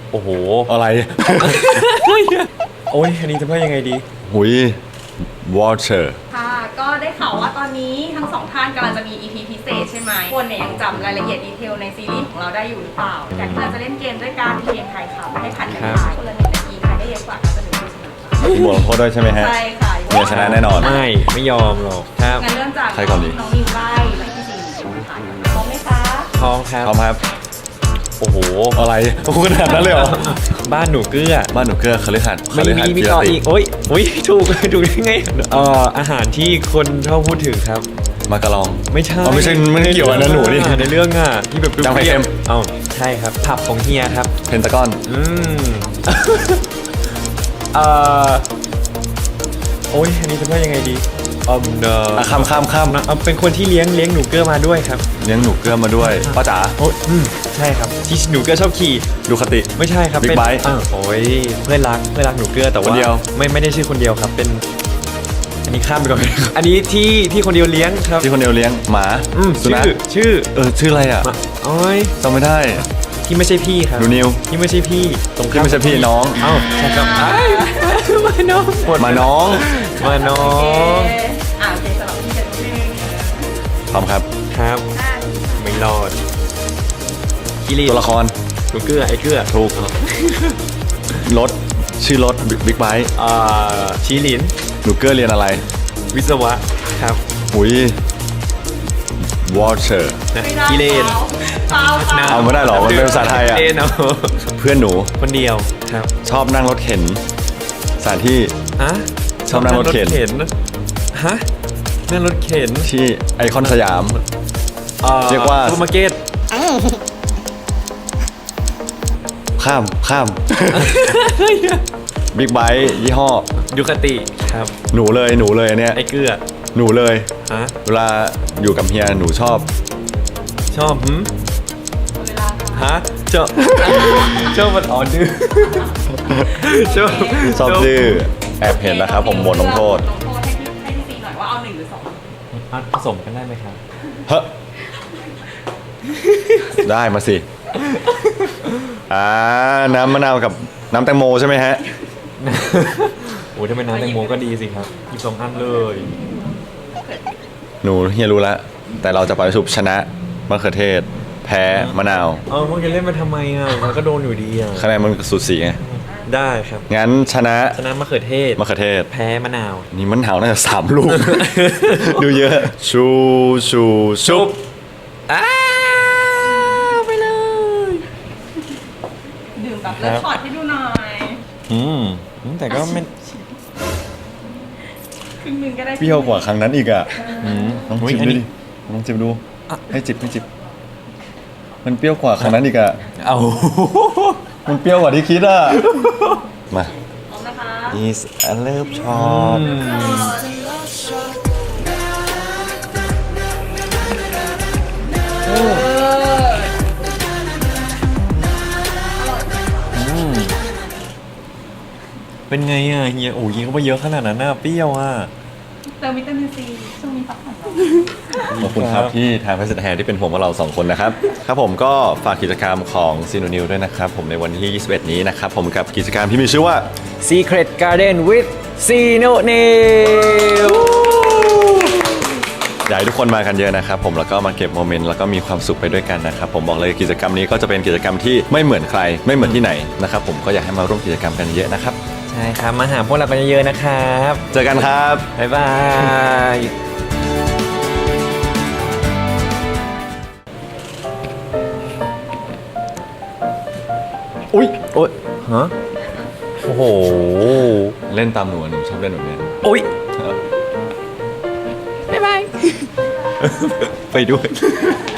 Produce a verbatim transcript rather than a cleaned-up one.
โอ้โหอะไรโอ้ยอันนี้จะพูดยังไงดีหุย water ค่ะก็ได้ข่าวว่าตอนนี้ทั้งสองท่านกำลังจะมี อี พี พิเศษใช่ไหมคนเนี่ยยังจำรายละเอียดดีเทลในซีรีส์ของเราได้อยู่หรือเปล่าแต่ที่เราจะเล่นเกมด้วยการเกมทายคำให้ผัดกันทายคนละหนึ่งนาทีใครได้เยอะกว่าก็จะเป็นผู้ชนะมีบทลงโทษด้วยใช่ไหมฮะใช่ค่ะเมียชนะแน่นอนไม่ไม่ยอมหรอกครับงั้นเริ่มจากใครก่อนดีน้องนิวไล่และพี่ซีนใช่ไหมคะพร้อมไหมคะพร้อมครับพร้อมครับโอ้โหอะไรโอ้ขนาดนั้นเลยเหรอบ้านหนูเกลือบ้านหนูเกลือคฤหัสถ์คไม่ฤมีหัสถ์มีกิรต่อติอีกโอ้ยโอ้ยถูกถูกได้ไงเอ่ออาหารที่คนชอบพูดถึงครับมากะลองไม่ใช่อ๋อไม่ใช่ไม่ได้เกี่ยวกับนั้นหนูนี่ในเรื่องอ่ะที่แบบจำไข่เค็มเอ้าใช่ครับผับของเฮียครับเพนตากอนอืม เอ่อโอ้ยอันนี้จะพูดยังไงดีอืมเนอ่ะข้ามข้ามข้ามอะเอาเป็นคนที่เลี้ยงเลี้ยงหนูเกลือมาด้วยครับเลี้ยงหนูเกลือมาด้วยป้าจ๋าโอ้ยอืมใช่ครับที่หนูเกลือชอบขี่ดูคติไม่ใช่ครับ Big เป็น Bite อ้าวโอ้ยเพื่อนรักเพื่อนรักหนูเกลือแต่คว่านเดียวไม่ไม่ได้ชื่อคนเดียวครับเป็น อันนี้ข้ามไปก่อน อันนี้ที่ที่คนเดียวเลี้ยงครับที่คนเดียวเลี้ยงหมาอืมสุนัชื่ขอชื่อเออชื่ออะไรอ่ะมาโอ้ยจำไม่ได้ที่ไม่ใช่พี่ครับหนูนิวที่ไม่ใช่พี่ตรงข้าที่ไม่ใช่พี่น้องเอ้าใช่ครับอ้ายมาน้องหมดมาน้องมาน้อโอเคงอ่าโอเคสำหรับพี่เจนนี่พร้อมครับครับไม่รอดกิริตัวละครหนูเกลือไอ้เกลือถูกรถชื่อรถบิ๊กไบค์อ่าชีลินหนูเกลือเรียนอะไรวิศวะครับหุย water นะไม่ได้กิเลนเปล่าเปล่าเอาไม่ได้หรอมันเป็นภาษาไทยอะกิเลนเอาเพื่อนหนูคนเดียวครับชอบนั่งรถเข็นสถานที่ฮะชอบนั่งรถเข็นฮะนั่งรถเข็นที่ไอคอนสยามอ่อเรียกว่าซูเปอร์มาร์เก็ตข้ามข้ามบิ๊กไบค์ยี่ห้อยูคาติครับหนูเลยหนูเลยอันเนี้ยไอ้เกลือหนูเลยฮะเวลาอยู่กับเฮียหนูชอบชอบหืมเวลาค่ะฮะชอบ ชอบมันอ่อนดื้อชอบชอบดื้อแอบเห็นนะครับผมบทลงโทษลงโทษให้พี่ให้พี่ซีหน่อยว่าเอาหนึ่งหรือสองอ่ะผสมกันได้ไหมครับเฮ้ ได้มาสิอ่าน้ำมะนาวกับน้ำแตงโมใช่ไหมฮะโอ้ยถ้าเป็นน้ำแตงโมก็ดีสิครับหยิบสองอันเลยหนูเฮียรู้แล้วแต่เราจะไปสุบชนะมะเขือเทศ แพ้มะนาวเอาพวกจะเล่นมาทำไมอ่ะมันก็โดนอยู่ดีอ่ะคะแนนมันสูสีไงได้ครับงั้นชนะชนะมะเขือเทศมะเขือเทศแพ้มะนาวนี่มันหาวน่าจะสามลูก ดูเยอะ ชูชูชุบอ้าวไปเลยดื่มแบบเลือดช็อตให้ดูหน่อยอืมแต่ก็ไม่ครึ่งหนึ่งก็ได้เปรี้ยวกว่าครั้งนั้นอีกอ่ะอืมลองอุ๊ยจิบอันดูนี้ดิลองจิบดู ให้จิบให้จิบ มันเปรี้ยวกว่าครั้งนั้นอีกอ่ะเอามันเปรี้ยวกว่าที่คิดอ่ะ มาพร้อมนะคะ is a love shot เออเป็นไงอ่ะเฮียโอ้ยิงเข้าไปเยอะขนาดนั้นน่ะเปรี้ยวอ่ะเติมวิตามินซีช่วงนี้พักผ่อนขอบคุณครับที่ทางเพชรแทนที่เป็นห่วงพวกเราสองคนนะครับ ครับผมก็ฝากกิจกรรมของซีโนนิวด้วยนะครับ ผมในวันที่ยี่สิบเอ็ดนี้นะครับ ผมกับกิจกรรมที่มีชื่อว่า Secret Garden with Sino n e w อยากให้ทุกคนมากันเยอะนะครับผมแล้วก็มาเก็บโมเมนต์แล้วก็มีความสุขไปด้วยกันนะครับผมบอกเลยกิจกรรมนี้ก็จะเป็นกิจกรรมที่ไม่เหมือนใครไม่เหมือนที่ไหนนะครับผมก็อยากให้มาร่วมกิจกรรมกันเยอะนะครับใช่ครับมาหาพวกเรากันเยอะๆนะครับเจอกันครับบ๊ายบายอุ้ยโอ๊ยฮะโอ้โหเล่นตามหนูอะหนูชอบเล่นแบบนี้โอ๊ยครับบ๊ายบาย ไปด้วย